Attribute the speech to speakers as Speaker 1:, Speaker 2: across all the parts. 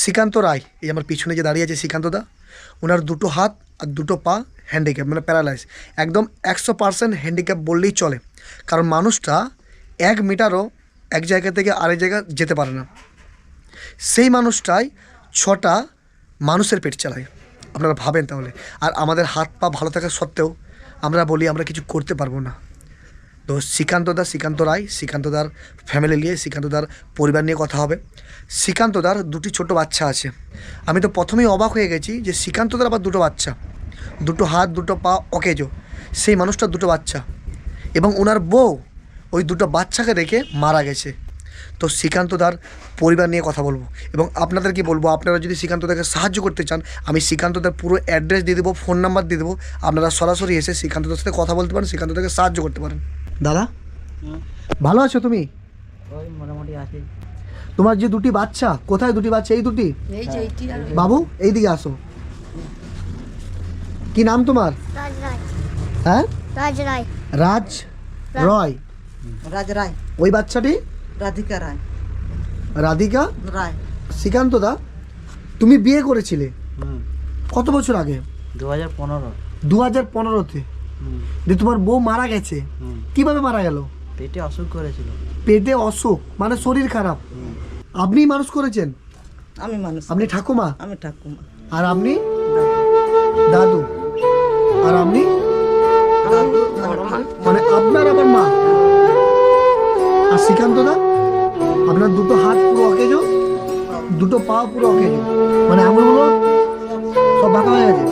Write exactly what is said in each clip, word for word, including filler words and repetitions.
Speaker 1: শ্রীকান্ত রায়, এই আমার পিছনে যে দাঁড়িয়ে আছে শ্রীকান্তদা, ওনার দুটো হাত আর দুটো পা হ্যান্ডিক্যাপ, মানে প্যারালাইজ, একদম একশো পার্সেন্ট হ্যান্ডিক্যাপ বললেই চলে। কারণ মানুষটা এক মিটারও এক জায়গা থেকে আরেক জায়গা যেতে পারে না। সেই মানুষটাই ছটা মানুষের পেট চালায়, আপনারা ভাবেন তাহলে। আর আমাদের হাত পা ভালো থাকা সত্ত্বেও আমরা বলি আমরা কিছু করতে পারবো না। তো শ্রীকান্তদা, শ্রীকান্ত রায়, শ্রীকান্তদার ফ্যামিলি নিয়ে, শ্রীকান্তদার পরিবার নিয়ে কথা হবে। শ্রীকান্তদার দুটি ছোট বাচ্চা আছে। আমি তো প্রথমেই অবাক হয়ে গেছি যে শ্রীকান্তদার আবার দুটো বাচ্চা, দুটো হাত দুটো পা অকেজো, সেই মানুষটার দুটো বাচ্চা, এবং ওনার বউ ওই দুটো বাচ্চাকে রেখে মারা গেছে। তো শ্রীকান্তদার পরিবার নিয়ে কথা বলবো, এবং আপনাদের কি বলবো, আপনারা যদি শ্রীকান্তদাকে সাহায্য করতে চান, আমি শ্রীকান্তদার পুরো অ্যাড্রেস দিয়ে দেবো, ফোন নাম্বার দিয়ে দেবো, আপনারা সরাসরি এসে শ্রীকান্তদার সাথে কথা বলতে পারেন, শ্রীকান্তদাকে সাহায্য করতে পারেন। দাদা ভালো আছো তুমি?
Speaker 2: ওই মোটামুটি আছে।
Speaker 1: তোমার যে দুটি বাচ্চা, কোথায় দুটি বাচ্চা? এই দুটি। বাবু এইদিকে আসো। কি নাম তোমার?
Speaker 3: রাজ রায়।
Speaker 1: হ্যাঁ,
Speaker 3: রাজ রায়।
Speaker 1: রাজ রয়।
Speaker 2: রাজ রায়।
Speaker 1: ওই বাচ্চাটি
Speaker 2: রাধিকা রায়।
Speaker 1: রাধিকা
Speaker 2: রায়।
Speaker 1: শ্রীকান্তদা, তুমি বিয়ে করেছিলে
Speaker 2: হুম
Speaker 1: কত বছর আগে?
Speaker 2: দু হাজার পনেরো।
Speaker 1: দু হাজার পনেরোতে
Speaker 2: হুম
Speaker 1: যে তোমার বউ মারা গেছে,
Speaker 2: হুম
Speaker 1: কিভাবে মারা গেল?
Speaker 2: পেটে অসুখ করেছিল।
Speaker 1: পেটে অসুখ মানে শরীর খারাপ।
Speaker 2: হুম।
Speaker 1: আপনি মানুষ করেছেন?
Speaker 2: আমি মানুষ।
Speaker 1: আপনি ঠাকুমা?
Speaker 2: আমি ঠাকুমা।
Speaker 1: আর আপনি দাদু? আর আপনি
Speaker 2: দাদু
Speaker 1: মানে আপনার আবার মা? আর শ্রীকান্তদা, আপনার দুটো হাত পুরো অকেজো, দুটো পা পুরো অকেজো, মানে আঙুলগুলো সব বাঁকা হয়ে গেছে।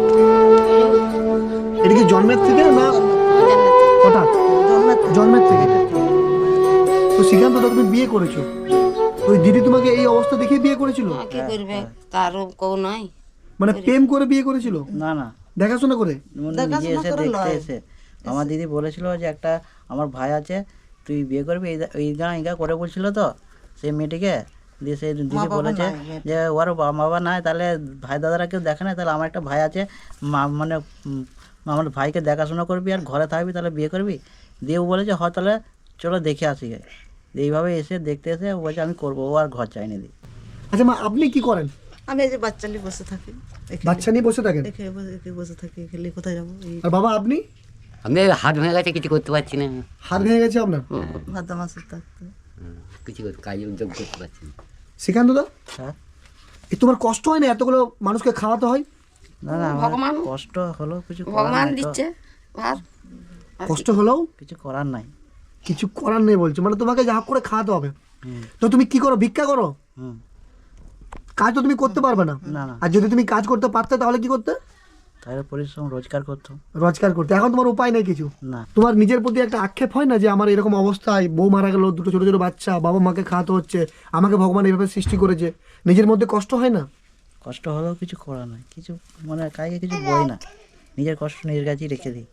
Speaker 1: এটা কি জন্মের থেকে না হঠাৎ? জন্মের থেকে। তো শ্রীকান্তদা, তুমি বিয়ে করেছো, ওই দিদি তোমাকে এই অবস্থা দেখে বিয়ে করেছিল?
Speaker 4: কি করবে, কারো কেউ নাই।
Speaker 1: মানে প্রেম করে বিয়ে করেছিল?
Speaker 2: না না,
Speaker 1: দেখাশোনা করে?
Speaker 2: নিজে এসে দেখতে এসে আমার দিদি বলেছিল যে একটা আমার ভাই আছে, তুই বিয়ে করবি, এই এই গাঁ এই গাঁ করে বলছিল তো সেই মেয়েটিকে। দিয়ে সেই দিদি বলেছে যে ওর মা বাবা নাই, তাহলে ভাই দাদারা কেউ দেখে না, তাহলে আমার একটা ভাই আছে, মা মানে উম, আমার ভাইকে দেখাশোনা করবি আর ঘরে থাকবি, তাহলে বিয়ে করবি। দিয়ে ও বলেছে হয় তাহলে চলো দেখে আসি গে। এইভাবে এসে দেখতে এসে ও বলছে আমি করবো, ও আর ঘর চাইনি দি।
Speaker 1: আচ্ছা মা, আপনি কি করেন?
Speaker 5: আমি এই যে বাচ্চা নিয়ে বসে থাকি,
Speaker 1: বাচ্চা নিয়ে বসে থাকেন?
Speaker 5: এখানে বসে এখানে বসে থাকি, খেলে কোথায় যাবো? এই
Speaker 1: আর বাবা আপনি?
Speaker 6: আমি হাত ভেঙে গেছে, কিছু করতে পারছি না।
Speaker 1: হাত ভেঙে গেছে আপনার?
Speaker 5: ভাদ্র মাসে থাকতে
Speaker 6: কিছু করতে, কাজ উদ্যোগ করতে পারছি না।
Speaker 1: শ্রীকান্তদা,
Speaker 2: হ্যাঁ
Speaker 1: এই তোমার কষ্ট হয় না এতগুলো মানুষকে খাওয়াতে হয়?
Speaker 2: না না, আমার
Speaker 4: ভগবান
Speaker 2: কষ্ট হলো, কিছু করার
Speaker 4: ভগবান
Speaker 2: নাই তো।
Speaker 4: দিচ্ছে ভাত।
Speaker 1: কষ্ট হলেও
Speaker 2: কিছু করার নাই।
Speaker 1: কিছু করার নেই বলছো, মানে তোমাকে যা হোক করে খাওয়াতে হবে।
Speaker 2: হুম
Speaker 1: তো তুমি কি করো, ভিক্ষা করো?
Speaker 2: হুম
Speaker 1: কাজ তো তুমি করতে পারবে না।
Speaker 2: না না,
Speaker 1: আর যদি তুমি কাজ করতে পারতে তাহলে কি করতে?
Speaker 2: তাহলে পরিশ্রম রোজগার করতো।
Speaker 1: রোজগার করতে। এখন তোমার উপায় নেই কিছু।
Speaker 2: না,
Speaker 1: তোমার নিজের প্রতি একটা আক্ষেপ হয় না যে আমার এরকম অবস্থায়, বউ মারা গেল, দুটো ছোটো ছোটো বাচ্চা, বাবা মাকে খাওয়াতে হচ্ছে, আমাকে ভগবান এইভাবে সৃষ্টি করেছে, নিজের মধ্যে কষ্ট হয় না?
Speaker 2: কষ্ট হলেও কিছু করার নাই, কিছু মানে কাউকে কিছু বই না, নিজের কষ্ট নিজের কাছেই রেখে দিই।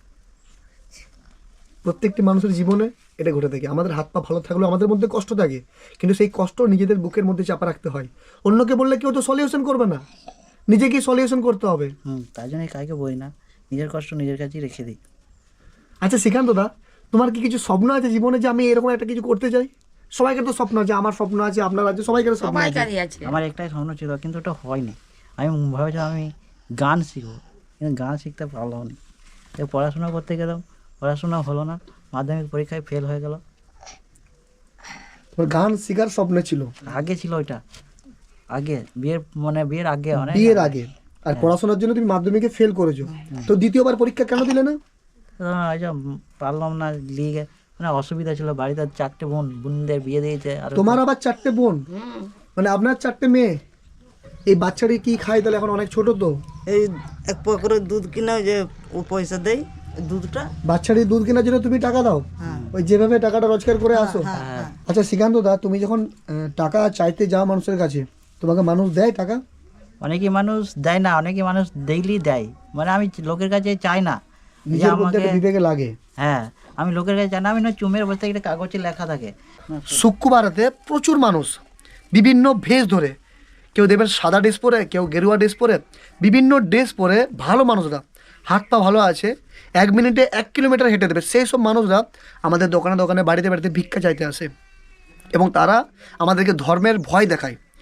Speaker 1: প্রত্যেকটি মানুষের জীবনে এটা ঘটে থাকে। আমাদের হাত পা ভালো থাকলেও আমাদের মধ্যে কষ্ট থাকে, কিন্তু সেই কষ্ট নিজেদের বুকের মধ্যে চাপা রাখতে হয়। অন্যকে বললে কেউ তো সলিউশন করবে না, নিজেকেই সলিউশন করতে হবে।
Speaker 2: হুম তাই জন্যই কাউকে বই না, নিজের কষ্ট নিজের কাছেই রেখে দিই।
Speaker 1: আচ্ছা শ্রীকান্তদা, তোমার কি কিছু স্বপ্ন আছে জীবনে যে আমি এরকম একটা কিছু করতে চাই? সবাইকার তো স্বপ্ন আছে, আমার স্বপ্ন আছে, আপনার আছে, সবাইকার স্বপ্ন আছে।
Speaker 4: সবাইকারই আছে।
Speaker 2: আমার একটাই স্বপ্ন ছিল, কিন্তু ওটা হয়নি। আমি ভেবেছিলাম আমি গান শিখবো, কিন্তু গান শিখতে পারলাম না। তাই পড়াশোনা করতে গেলাম, পড়াশোনা হলো না, মাধ্যমিক পরীক্ষায় ফেল হয়ে গেল।
Speaker 1: তোমার গান শেখার স্বপ্ন ছিল?
Speaker 2: আগে ছিল ওইটা, আগে বিয়ের মানে বিয়ের আগে, অনেক
Speaker 1: বিয়ের আগে। আর পড়াশোনার জন্য তুমি মাধ্যমিকে ফেল করেছো, তো দ্বিতীয়বার পরীক্ষা কেন দিলে না?
Speaker 2: ওই যে পারলাম না, লিগে মানে অসুবিধা ছিল বাড়িতে, চারটে বোন, বোনদের বিয়ে দিয়েছে। আর
Speaker 1: তোমার আবার চারটে বোন, মানে আপনার চারটে মেয়ে। এই বাচ্চাটি কি খায় তাহলে? এখন অনেক ছোট তো।
Speaker 5: এই এক পা করে দুধ কিনে ওই যে ও পয়সা দেয়, দুধটা
Speaker 1: বাচ্চাটি দুধ কেনার জন্য তুমি টাকা দাও, ওই যেভাবে টাকাটা রোজগার করে আসো। আচ্ছা শ্রীকান্তদা, তুমি যখন আহ, টাকা চাইতে যাও মানুষের কাছে, তোমাকে মানুষ দেয় টাকা?
Speaker 2: অনেকে মানুষ দেয় না, অনেকে মানুষ ডেইলি দেয়। মানে আমি লোকের কাছে চাই না যে
Speaker 1: নিজের মধ্যে
Speaker 2: আমাকে,
Speaker 1: একটা বিবেকে লাগে।
Speaker 2: হ্যাঁ আমি লোকের কাছে চাই না, আমি না চুমের বসে একটা কাগজে লেখা থাকে।
Speaker 1: শুক্রবারেতে প্রচুর মানুষ বিভিন্ন ভেষ ধরে, কেউ দেবেন সাদা ড্রেস পরে, কেউ গেরুয়া ড্রেস পরে, বিভিন্ন ড্রেস পরে ভালো মানুষরা, হাত পা ভালো আছে, এক মিনিটে এক কিলোমিটার হেঁটে দেবে, সেই সব মানুষরা আমাদের দোকানে দোকানে বাড়িতে বাড়িতে ভিক্ষা চাইতে আসে, এবং তারা আমাদেরকে ধর্মের ভয় দেখায়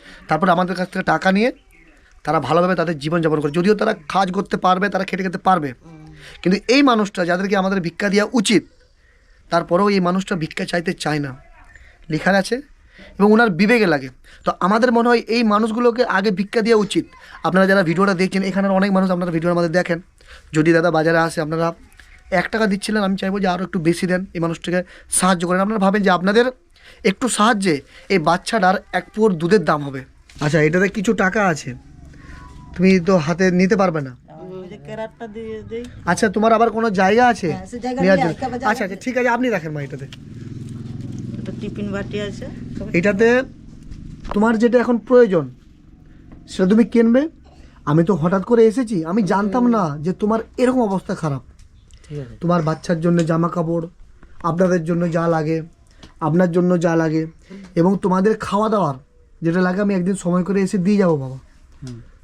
Speaker 1: তারপরে আমাদের কাছ থেকে টাকা নিয়ে তারা ভালোভাবে তাদের জীবনযাপন করে, যদিও তারা কাজ করতে পারবে, তারা খেটে খেতে পারবে, কিন্তু এই মানুষটা যাদেরকে আমাদের ভিক্ষা দেওয়া উচিত, তারপরেও এই মানুষটা ভিক্ষা চাইতে চায় না, লেখা আছে এবং ওনার বিবেকে লাগে। তো আমাদের মনে হয় এই মানুষগুলোকে আগে ভিক্ষা দেওয়া উচিত। আপনারা যারা ভিডিওটা দেখছেন, এখানের অনেক মানুষ আপনারা ভিডিওর মধ্যে দেখেন, যদি দাদা বাজারে আসে আপনারা এক টাকা দিচ্ছিলেন, আমি চাইবো যে আরও একটু বেশি দেন, এই মানুষটাকে সাহায্য করেন। আপনারা ভাবেন যে আপনাদের একটু সাহায্যে এই বাচ্চাটার এক পুর দুধের দাম হবে। আচ্ছা, এটাতে কিছু টাকা আছে, তুমি তো হাতে নিতে পারবে না।
Speaker 5: ওই যে কেরাটটা দিয়ে দেই।
Speaker 1: আচ্ছা, তোমার আবার কোনো জায়গা আছে নেওয়ার জন্য? আচ্ছা আচ্ছা ঠিক আছে, আপনি রাখেন মা এটাতে।
Speaker 5: একটা টিফিন বাটি আছে।
Speaker 1: এটাতে তোমার যেটা এখন প্রয়োজন সেটা তুমি কিনবে। আমি তো হঠাৎ করে এসেছি, আমি জানতাম না যে তোমার এরকম অবস্থা খারাপ।
Speaker 2: ঠিক আছে।
Speaker 1: তোমার বাচ্চার জন্য জামা কাপড়, আপনাদের জন্য যা লাগে, আপনার জন্য যা লাগে, এবং তোমাদের খাওয়া দাওয়ার যেটা লাগে আমি একদিন সময় করে এসে দিয়ে যাবো বাবা।